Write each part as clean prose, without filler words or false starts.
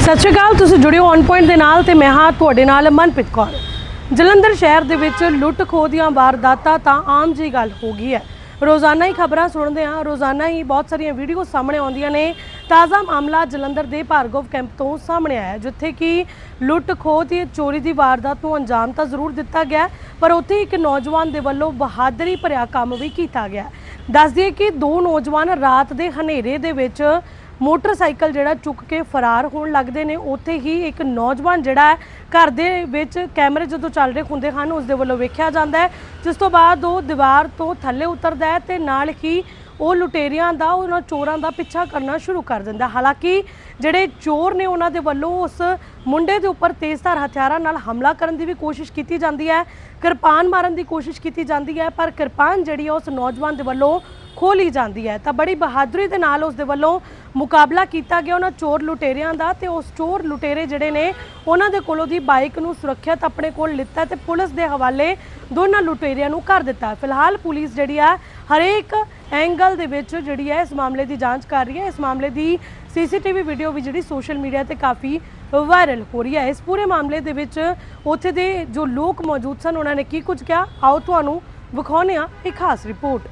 ਸਤਿ ਸ਼੍ਰੀ ਅਕਾਲ। ਤੁਸੀਂ ਜੁੜੇ ਹੋ ਔਨ ਪੁਆਇੰਟ ਦੇ ਨਾਲ ਤੇ ਮੈਂ ਹਾਂ ਤੁਹਾਡੇ ਨਾਲ ਮਨਪ੍ਰੀਤ ਕੌਰ। ਜਲੰਧਰ ਸ਼ਹਿਰ ਦੇ ਵਿੱਚ ਲੁੱਟ ਖੋਹ ਦੀਆਂ ਵਾਰਦਾਤਾਂ ਤਾਂ ਆਮ ਜੀ ਗੱਲ ਹੋ ਗਈ ਹੈ। ਰੋਜ਼ਾਨਾ ਹੀ ਖਬਰਾਂ ਸੁਣਦੇ ਹਾਂ, ਰੋਜ਼ਾਨਾ ਹੀ ਬਹੁਤ ਸਾਰੀਆਂ ਵੀਡੀਓ ਸਾਹਮਣੇ ਆਉਂਦੀਆਂ ਨੇ। ਤਾਜ਼ਾ ਮਾਮਲਾ ਜਲੰਧਰ ਦੇ ਭਾਰਗਵ ਕੈਂਪ ਤੋਂ ਸਾਹਮਣੇ ਆਇਆ, ਜਿੱਥੇ ਕਿ ਲੁੱਟ ਖੋਹ ਤੇ ਚੋਰੀ ਦੀ ਵਾਰਦਾਤ ਨੂੰ ਅੰਜਾਮ ਤਾਂ ਜ਼ਰੂਰ ਦਿੱਤਾ ਗਿਆ, ਪਰ ਉੱਥੇ ਇੱਕ ਨੌਜਵਾਨ ਦੇ ਵੱਲੋਂ ਬਹਾਦਰੀ ਭਰਿਆ ਕੰਮ ਵੀ ਕੀਤਾ ਗਿਆ। ਦੱਸ ਦਈਏ ਕਿ ਦੋ ਨੌਜਵਾਨ ਰਾਤ ਦੇ ਹਨੇਰੇ ਦੇ ਵਿੱਚ मोटरसाइकिल जिहड़ा चुक के फरार होने लगते हैं। उत्थे ही एक नौजवान जिहड़ा है घर दे विच कैमरे जो चल रहे होंदे हन उसदे वल्लों वेख्या जांदा है, जिस तो बाद वो दीवार तो थल्ले उतरदा है ते नाल ही वो लुटेरियां दा उन्हां चोरां दा पिछा करना शुरू कर दिंदा। हालांकि जिहड़े चोर ने उन्हां दे वल्लों उस मुंडे दे उपर तेज़धार हथियारां नाल हमला करन दी भी कोशिश कीती जांदी है, किरपान मारन दी कोशिश कीती जांदी है, पर किरपान जिहड़ी है उस नौजवान दे वल्लों खोली जाती है। तो बड़ी बहादुरी के नाल उस दे वल्लों मुकाबला किया गया उन्होंने चोर लुटेरियां दा। ते उस चोर लुटेरे जिहड़े ने उन्हां दे कोलों दी बाइक नूं सुरक्षित अपने कोल लिता ते पुलिस दे हवाले दोनों लुटेरियां नूं कर दिता। फिलहाल पुलिस जिहड़ी है हरेक एंगल दे विच जिहड़ी है इस मामले की जांच कर रही है। इस मामले की CCTV वीडियो भी जिहड़ी सोशल मीडिया ते काफ़ी वायरल हो रही है। इस पूरे मामले दे विच उत्थे दे जो लोग मौजूद सन उन्होंने की कुछ कहा, आओ तुहानूं विखाउने आ एक खास रिपोर्ट।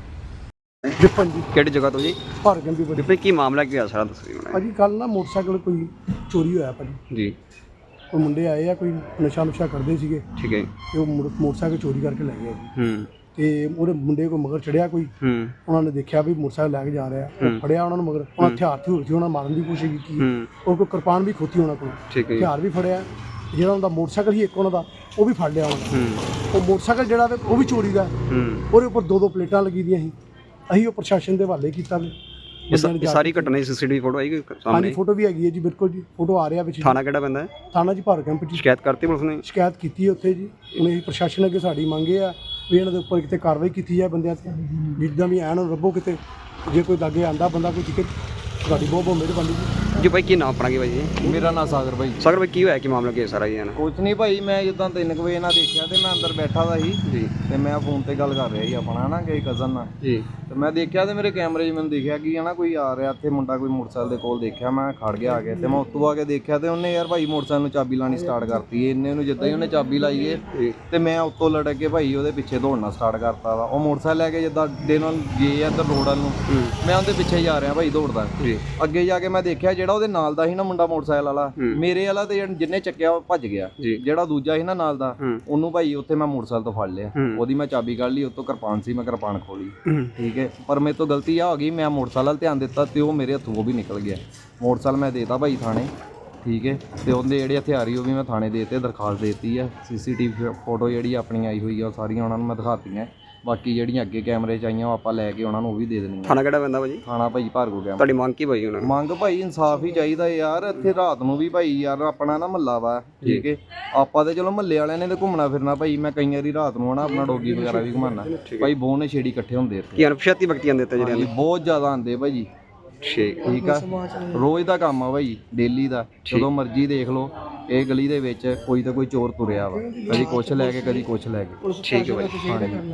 विपन जी ਕਿਹੜੀ ਜਗ੍ਹਾ ਤੋਂ ਜੀ? ਭਾਰਗਵ ਦੀ ਵਿਪਨ ਕੀ ਮਾਮਲਾ ਕੀ ਆ ਸਾਰਾ ਦੱਸੋ ਮੈਨੂੰ। ਭਾਜੀ ਕੱਲ ਨਾ ਮੋਟਰਸਾਈਕਲ ਕੋਈ ਚੋਰੀ ਹੋਇਆ ਭਾਜੀ। ਜੀ ਉਹ ਮੁੰਡੇ ਆਏ ਆ, ਕੋਈ ਨਸ਼ਾ ਨੁਸ਼ਾ ਕਰਦੇ ਸੀਗੇ ਠੀਕ ਹੈ ਤੇ ਉਹ ਮੋਟਰਸਾਈਕਲ ਚੋਰੀ ਕਰਕੇ ਲੈ ਗਏ ਜੀ। ਤੇ ਉਹਦੇ ਮੁੰਡੇ ਕੋ ਮਗਰ ਚੜਿਆ ਕੋਈ, ਉਹਨਾਂ ਨੇ ਦੇਖਿਆ ਵੀ ਮੋਟਰਸਾਈਕਲ ਲੈ ਕੇ ਜਾ ਰਿਹਾ, ਉਹ ਫੜਿਆ ਉਹਨਾਂ ਨੂੰ ਮਗਰ। ਉਹਨਾਂ ਹਥਿਆਰ ਸੀ, ਉਹਨਾਂ ਮਾਰਨ ਦੀ ਕੋਸ਼ਿਸ਼ ਕੀਤੀ, ਉਹ ਕੋਈ ਕਿਰਪਾਨ ਵੀ ਖੋਤੀ ਉਹਨਾਂ ਕੋਲ, ਹਥਿਆਰ ਵੀ ਫੜਿਆ। ਜਿਹੜਾ ਉਹਨਾਂ ਦਾ ਮੋਟਰਸਾਈਕਲ ਸੀ ਇੱਕ ਉਹਨਾਂ ਦਾ ਉਹ ਵੀ ਫੜ ਲਿਆ ਉਹਨਾਂ ਦਾ। ਉਹ ਮੋਟਰਸਾਈਕਲ ਜਿਹੜਾ ਤੇ ਉਹ ਵੀ ਚੋਰੀ ਦਾ, ਉਹਦੇ ਉੱਪਰ ਦੋ ਪਲੇਟਾਂ ਲੱਗੀ ਦੀਆਂ ਸੀ। ਅਸੀਂ ਉਹ ਪ੍ਰਸ਼ਾਸਨ ਦੇ ਹਵਾਲੇ ਕੀਤਾ ਵੀ। ਇਹ ਸਾਰੀ ਘਟਨਾ ਦੀ CCTV ਫੋਟੋ ਆਈ ਸਾਹਮਣੇ? ਹਾਂਜੀ ਫੋਟੋ ਵੀ ਹੈਗੀ ਹੈ ਜੀ, ਬਿਲਕੁਲ ਜੀ, ਫੋਟੋ ਆ ਰਿਹਾ ਵਿੱਚ। ਥਾਣਾ ਕਿਹੜਾ ਪੈਂਦਾ ਹੈ? ਥਾਣਾ ਜੀ ਭਾਰਗਵ ਕੈਂਪ ਜੀ। ਸ਼ਿਕਾਇਤ ਕਰਤੀ ਪੁਲਿਸ ਨੇ? ਸ਼ਿਕਾਇਤ ਕੀਤੀ ਹੈ ਉੱਥੇ ਜੀ। ਹੁਣ ਇਹ ਪ੍ਰਸ਼ਾਸਨ ਅੱਗੇ ਸਾਡੀ ਮੰਗ ਇਹ ਆ ਵੀ ਇਹਨਾਂ ਦੇ ਉੱਪਰ ਕਿਤੇ ਕਾਰਵਾਈ ਕੀਤੀ ਜਾਏ ਬੰਦਿਆਂ ਤੇ, ਜਿੱਦਾਂ ਵੀ ਐਨ ਰੱਬੋ ਕਿਤੇ ਜੇ ਕੋਈ ਲਾਗੇ ਆਂਦਾ ਬੰਦਾ ਕੋਈ ਟਿਕਟ, ਤੁਹਾਡੀ ਬਹੁਤ ਬਹੁਤ ਮਿਹਰਬਾਨੀ ਜੀ। ਜੀ ਭਾਈ ਕੀ ਨਾਮ ਆਪਣਾ ਕੀ ਭਾਈ ਜੀ? ਮੇਰਾ ਨਾਮ ਸਾਗਰ ਭਾਈ। ਸਾਗਰ ਭਾਈ ਕੀ ਹੋਇਆ, ਕੀ ਮਾਮਲਾ ਕੀ ਹੈ ਸਾਰਾ ਜੀ? ਨਾ ਕੁਛ ਨਹੀਂ ਭਾਈ, ਮੈਂ ਜਿੱਦਾਂ 3 ਵਜੇ ਨਾਲ ਦੇਖਿਆ ਤੇ ਮੈਂ ਅੰਦਰ ਬੈਠਾ ਦਾ ਸੀ ਜੀ, ਤੇ ਮੈਂ ਫੋਨ ਤੇ ਗੱਲ ਕਰ ਰਿਹਾ ਸੀ ਆਪਣਾ ਨਾ ਕਿਸੇ ਕਜ਼ਨ ਨਾਲ ਜੀ। ਤੇ ਮੈਂ ਦੇਖਿਆ ਤੇ ਮੇਰੇ ਕੈਮਰੇ 'ਚ ਮੈਨੂੰ ਦਿਖਿਆ ਕਿ ਹਨਾ ਕੋਈ ਆ ਰਿਹਾ ਇੱਥੇ ਮੁੰਡਾ, ਕੋਈ ਮੋਟਰਸਾਈਕਲ ਦੇ ਕੋਲ ਦੇਖਿਆ, ਮੈਂ ਖੜ ਗਿਆ ਆ ਕੇ ਤੇ ਮੈਂ ਉੱਤੋਂ ਆ ਕੇ ਦੇਖਿਆ ਤੇ ਉਹਨੇ ਯਾਰ ਭਾਈ ਮੋਟਰਸਾਈਕਲ ਨੂੰ ਚਾਬੀ ਲਾਣੀ ਸਟਾਰਟ ਕਰਤੀ। ਇੰਨੇ ਨੂੰ ਜਿੱਦਾਂ ਹੀ ਉਹਨੇ ਚਾਬੀ ਲਾਈ ਏ ਤੇ ਮੈਂ ਉੱਤੋਂ ਲੜਕ ਕੇ ਭਾਈ ਉਹਦੇ ਪਿੱਛੇ ਦੌੜਨਾ ਸਟਾਰਟ ਕਰਤਾ ਵਾ। ਉਹ ਮੋਟਰਸਾਈਕਲ ਲੈ ਕੇ ਜਿੱਦਾਂ ਦੇ ਨਾਲ ਗਏ ਆ ਇੱਧਰ ਰੋਡ ਵੱਲ ਨੂੰ, ਮੈਂ ਉਹਦੇ ਪਿੱਛੇ ਜਾ ਰਿਹਾ ਭਾਈ ਦੌੜਦਾ। ਅੱਗੇ ਜਾ ਕੇ ਮੈਂ ਦੇਖਿਆ ਜਿਹੜਾ ਉਹਦੇ ਨਾਲ ਦਾ ਸੀ ਨਾ ਮੁੰਡਾ ਮੋਟਰਸਾਈਕਲ ਵਾਲਾ, ਮੇਰੇ ਵਾਲਾ ਤੇ ਜਿੰਨੇ ਚੱਕਿਆ ਉਹ ਭੱਜ ਗਿਆ। ਜਿਹੜਾ ਦੂਜਾ ਸੀ ਨਾ ਨਾਲ ਦਾ, ਉਹਨੂੰ ਭਾਈ ਉੱਥੇ ਮੈਂ ਮੋਟਰਸਾਈਕਲ ਤੋਂ ਫੜ ਲਿਆ। ਉਹਦੀ ਮੈਂ ਚਾਬੀ ਕੱਢ ਲਈ, ਉੱਤੋਂ ਕਿਰਪਾਨ ਸੀ, ਮੈਂ ਕਿਰਪਾਨ ਖੋਲੀ। ਠੀਕ ਹੈ, ਪਰ ਮੇਰੇ ਤੋਂ ਗਲਤੀ ਆ ਹੋ ਗਈ, ਮੈਂ ਮੋਟਰਸਾਈਕਲ ਵੱਲ ਧਿਆਨ ਦਿੱਤਾ ਤੇ ਉਹ ਮੇਰੇ ਹੱਥੋਂ ਉਹ ਵੀ ਨਿਕਲ ਗਿਆ। ਮੋਟਰਸਾਈਕਲ ਮੈਂ ਦੇਤਾ ਭਾਈ ਥਾਣੇ। ਠੀਕ ਹੈ, ਤੇ ਉਹਦੇ ਜਿਹੜੇ ਹਥਿਆਰੀ ਉਹ ਵੀ ਮੈਂ ਥਾਣੇ ਦੇਤੇ, ਦਰਖਾਸਤ ਦੇਤੀ ਆ। CCTV ਫੋਟੋ ਜਿਹੜੀ ਆਪਣੀ ਆਈ ਹੋਈ ਆ ਉਹ ਸਾਰੀਆਂ ਉਹਨਾਂ ਨੂੰ ਮੈਂ ਦਿਖਾਤੀਆਂ। ਬਾਕੀ ਜਿਹੜੀਆਂ ਅੱਗੇ ਕੈਮਰੇ 'ਚ ਆਈਆਂ ਉਹ ਆਪਾਂ ਲੈ ਕੇ ਉਹਨਾਂ ਨੂੰ ਉਹ ਵੀ ਦੇ ਦੇਣੀਆਂ। ਥਾਣਾ ਕਿਹੜਾ ਪੈਂਦਾ ਭਾਜੀ? ਥਾਣਾ ਭਾਈ ਭਾਰਗਵ ਕੈਂਪ। ਤੁਹਾਡੀ ਮੰਗ ਕੀ ਭਾਈ? ਉਹਨਾਂ ਮੰਗ ਭਾਈ ਇਨਸਾਫ ਹੀ ਚਾਹੀਦਾ ਯਾਰ। ਇੱਥੇ ਰਾਤ ਨੂੰ ਵੀ ਭਾਈ ਯਾਰ ਆਪਣਾ ਨਾ ਮਹੱਲਾ ਵਾ, ਠੀਕ ਹੈ, ਆਪਾਂ ਤੇ ਚਲੋ ਮਹੱਲੇ ਵਾਲਿਆਂ ਨੇ ਤੇ ਘੁੰਮਣਾ ਫਿਰਨਾ ਭਾਈ। ਮੈਂ ਕਈ ਵਾਰੀ ਰਾਤ ਨੂੰ ਹਨਾ ਆਪਣਾ ਡੋਗੀ ਵਗੈਰਾ ਵੀ ਘੁਮਾਉਣਾ ਭਾਈ। ਬਹੁਤ ਨਸ਼ੇੜੀ ਇਕੱਠੇ ਹੁੰਦੇ ਇੱਥੇ। ਕੀ ਅਣਪਛਾਤੀ ਵਿਅਕਤੀਆਂ ਦੇ ਉੱਤੇ ਜਿਹੜੇ ਬਹੁਤ ਜ਼ਿਆਦਾ ਆਉਂਦੇ ਭਾਜੀ। ਠੀਕ ਆ, ਰੋਜ਼ ਦਾ ਕੰਮ ਆ ਭਾਈ, ਡੇਲੀ ਦਾ। ਜਦੋਂ ਮਰਜ਼ੀ ਦੇਖ ਲਓ ਇਹ ਗਲੀ ਦੇ ਵਿੱਚ ਕੋਈ ਤਾਂ ਕੋਈ ਚੋਰ ਤੁਰਿਆ ਵਾ, ਕਦੀ ਕੁਛ ਲੈ ਕੇ ਕਦੀ ਕੁਛ ਲੈ ਕੇ। ਠੀਕ ਹੈ ਭਾਈ।